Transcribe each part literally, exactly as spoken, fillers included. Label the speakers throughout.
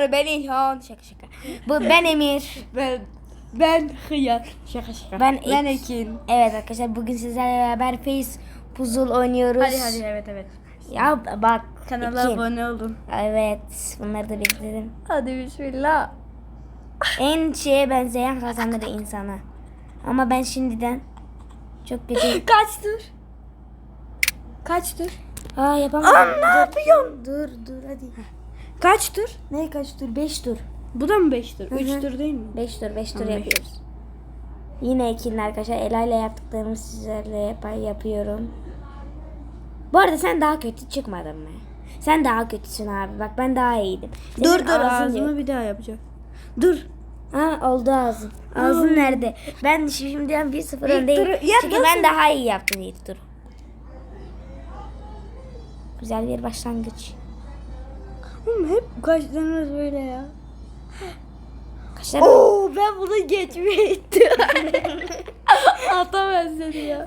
Speaker 1: Ben İlhan. Şaka şaka. Bu ben Emir.
Speaker 2: Ben ben Hıyar. Şaka şaka.
Speaker 1: Ben,
Speaker 2: ben
Speaker 1: Ek-
Speaker 2: Ekin.
Speaker 1: Evet arkadaşlar bugün sizlerle beraber Face Puzzle oynuyoruz.
Speaker 2: Hadi hadi evet evet.
Speaker 1: Ya bak.
Speaker 2: Kanala
Speaker 1: Ekin.
Speaker 2: abone olun.
Speaker 1: Evet. Bunları da bekledim.
Speaker 2: Hadi bismillah.
Speaker 1: En şeye benzeyen kazanır insana. Ama ben şimdiden çok kötü.
Speaker 2: Kaç tur? Kaç tur?
Speaker 1: Aa yapamadım.
Speaker 2: Aa, ne yapıyorsun?
Speaker 1: Dur dur hadi.
Speaker 2: Kaç tur?
Speaker 1: Ne kaç tur? beş tur.
Speaker 2: Bu da mı beş tur?
Speaker 1: Hı hı.
Speaker 2: üç tur değil mi?
Speaker 1: beş tur beş tur
Speaker 2: Tamam, beş.
Speaker 1: yapıyoruz. Yine ikinin arkadaşlar Ela ile yaptıklarımı sizlerle yap yapıyorum. Bu arada sen daha kötü çıkmadın mı? Sen daha kötüsün abi. Bak ben daha iyiydim. Senin
Speaker 2: Dur dur
Speaker 1: ağzın
Speaker 2: ağzımı
Speaker 1: yok.
Speaker 2: bir daha yapacağım. Dur.
Speaker 1: Ha oldu ağzın. Ağzın
Speaker 2: Aa.
Speaker 1: nerede? Ben şimdiden bir sıfır
Speaker 2: İlk
Speaker 1: öndeyim.
Speaker 2: turu- ya
Speaker 1: Çünkü
Speaker 2: nasıl?
Speaker 1: ben daha iyi yaptım ilk turu. Güzel bir başlangıç.
Speaker 2: Oğlum hep kaçlarınız böyle ya.
Speaker 1: Kaşlar
Speaker 2: Oo ben bunu geçmeye ittim. Atamaz seni ya.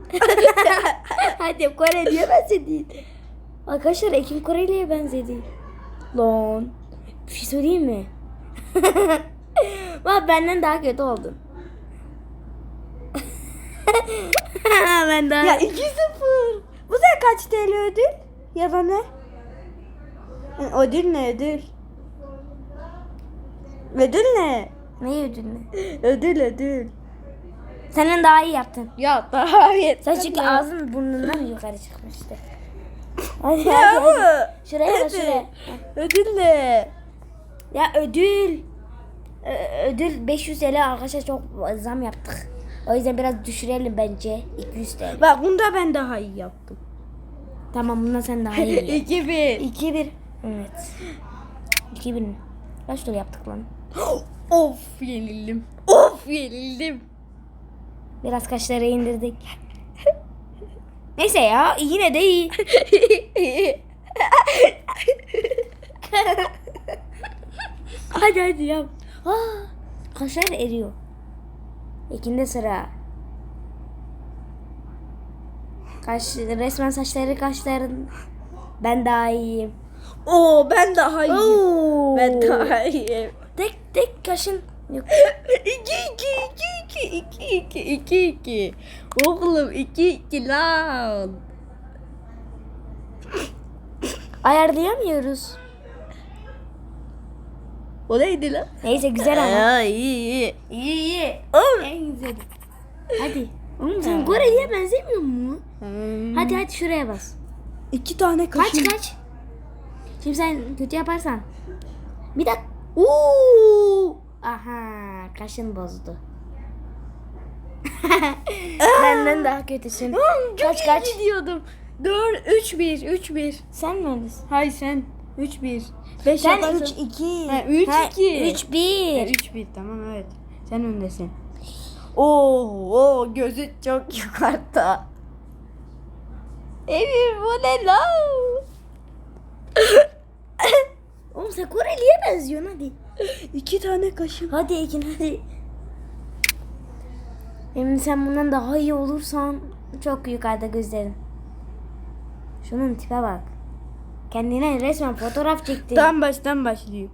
Speaker 1: Hadi Koreli'ye benzedi. Arkadaşlar Ekim Koreli'ye benzedi. Lan. Bir şey söyleyeyim mi? Bak benden daha kötü oldun. Ben daha...
Speaker 2: Ya iki sıfır. Bu da kaç T L ödül? Ya da ne? Yani ödül ne ödül? Ödül ne?
Speaker 1: Neyi ödülünü?
Speaker 2: Ödül ödül.
Speaker 1: Senden daha iyi yaptın.
Speaker 2: Ya daha iyi.
Speaker 1: Sen çünkü ağzın burnundan yukarı çıkmıştı. Hadi
Speaker 2: Ya
Speaker 1: hadi hadi.
Speaker 2: ama.
Speaker 1: Şuraya bak
Speaker 2: ödül.
Speaker 1: şuraya.
Speaker 2: Ödül ne?
Speaker 1: Ya ödül. Ö- ödül beş yüz T L arkadaşlar çok zam yaptık. O yüzden biraz düşürelim bence. iki yüz T L.
Speaker 2: Bak bunda ben daha iyi yaptım.
Speaker 1: Tamam bundan sen daha iyi yap.
Speaker 2: iki bir.
Speaker 1: iki bir. Evet. iki bir. Kaç tur yaptık lan?
Speaker 2: Of yenildim. Of yenildim.
Speaker 1: Biraz kaşları indirdik. Neyse ya yine de iyi. Hadi hadi yap. Aa, kaşlar eriyor. İkinde sıra. Kaş, resmen saçları kaşların. Ben daha iyiyim.
Speaker 2: Oo ben daha iyiyim.
Speaker 1: Oo.
Speaker 2: Ben daha iyiyim.
Speaker 1: Tek tek kaşın. Yok.
Speaker 2: iki iki iki iki iki iki iki iki. Oğlum iki iki lan.
Speaker 1: Ayarlayamıyoruz.
Speaker 2: O neydi lan?
Speaker 1: Neyse güzel ama.
Speaker 2: Aa, iyi iyi.
Speaker 1: İyi iyi.
Speaker 2: Oğlum.
Speaker 1: En güzeli. Hadi. Oğlum sen Koreli'ye benzemiyor mu?
Speaker 2: Hmm.
Speaker 1: Hadi hadi şuraya bas.
Speaker 2: İki tane
Speaker 1: Kaç
Speaker 2: kaşın.
Speaker 1: kaç. Şimdi sen kötü yaparsan. Bir dakika. Oo! Aha kaşın bozdu. Benden daha kötüsün.
Speaker 2: Oğlum, çok
Speaker 1: Kaç
Speaker 2: iyi
Speaker 1: kaç.
Speaker 2: gidiyordum. Dört üç bir üç bir.
Speaker 1: Sen mi öylesin?
Speaker 2: Hayır sen üç bir. beş
Speaker 1: Sen
Speaker 2: yaparsan.
Speaker 1: üç iki.
Speaker 2: Ha, üç iki.
Speaker 1: üç bir.
Speaker 2: üç bir tamam evet. Sen öndesin. Oo, oo gözü çok yukarıda. Emir bu ne lan?
Speaker 1: Oğlum sen Koreli'ye benziyorsun hadi.
Speaker 2: İki tane kaşım.
Speaker 1: Hadi Ekin hadi. Emin sen bundan daha iyi olursan çok yukarıda gözlerin. Şunun tipe bak. Kendine resmen fotoğraf çekti.
Speaker 2: Tam baştan başlıyor.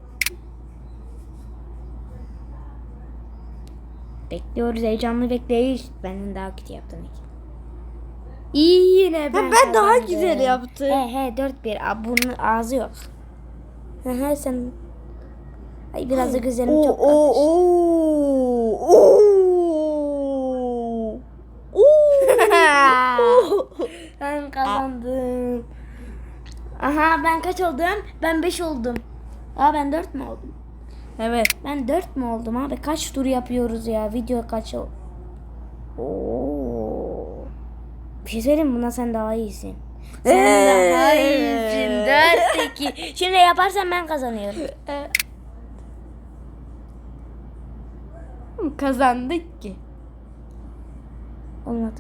Speaker 1: Bekliyoruz heyecanlı bekleyiş. Benden daha kötü yaptın Ekin. İyi yine ben
Speaker 2: Ha, ben daha
Speaker 1: kazandım.
Speaker 2: güzel yaptım.
Speaker 1: He he dört bir. Aa, bunun ağzı yok. He he sen. Ay biraz da gözlerim
Speaker 2: Oo
Speaker 1: çok
Speaker 2: oo
Speaker 1: kalmış.
Speaker 2: oo oo. Oo.
Speaker 1: Ben kazandım. Aha ben kaç oldum? Ben beş oldum. Aa ben dört mü oldum?
Speaker 2: Evet.
Speaker 1: Ben dört mü oldum abi? Kaç tur yapıyoruz ya? Video kaç o? Oo. Bir şey söyleyeyim mi? Buna sen daha iyisin. Sen
Speaker 2: Ee.
Speaker 1: daha iyisin. dört iki. Şimdi yaparsan ben kazanıyorum.
Speaker 2: Kazandık ki.
Speaker 1: Olmadı.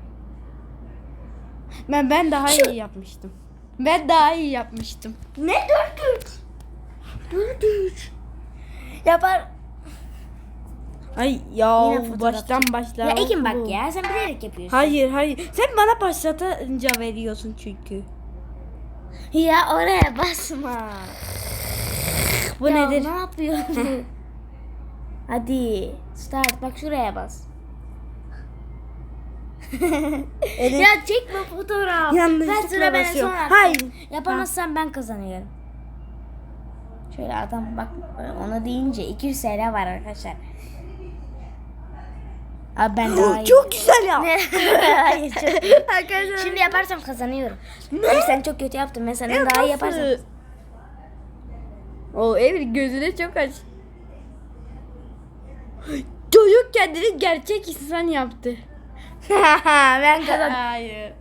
Speaker 2: Ben ben daha iyi yapmıştım. Ben daha iyi yapmıştım.
Speaker 1: Ne dört üç? dört üç. Yapar.
Speaker 2: Ay ya
Speaker 1: Yine fotoğraf
Speaker 2: baştan başla.
Speaker 1: Ya Ekin bak ya sen bilerek yapıyorsun.
Speaker 2: Hayır hayır. Sen bana başlatınca veriyorsun çünkü.
Speaker 1: Ya oraya basma.
Speaker 2: Bu
Speaker 1: Ya
Speaker 2: nedir?
Speaker 1: ne yapıyorsun? Hadi start, bak şuraya bas.
Speaker 2: Evet.
Speaker 1: Ya çekme fotoğraf.
Speaker 2: Yanlışlıkla
Speaker 1: Ben sıra bana
Speaker 2: basıyorum.
Speaker 1: sonra.
Speaker 2: Hayır.
Speaker 1: Yapamazsam ben kazanıyorum. Şöyle adam bak, ona deyince iki yüz T L var arkadaşlar. Abi ben daha iyi.
Speaker 2: Çok güzel ya.
Speaker 1: Hayır, çok
Speaker 2: Arkadaşlar.
Speaker 1: Şimdi yaparsam kazanıyorum. Abi sen çok kötü yaptın. Ben senden daha iyi yaparsam.
Speaker 2: O Emir gözüne çok aç. Çocuk kendini gerçek insan yaptı.
Speaker 1: Ben kazandım.
Speaker 2: Hayır.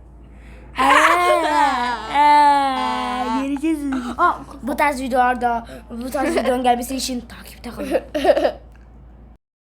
Speaker 1: Göreceğiz. Bu tarz videolarda, bu tarz videonun gelmesi için takipte kalın.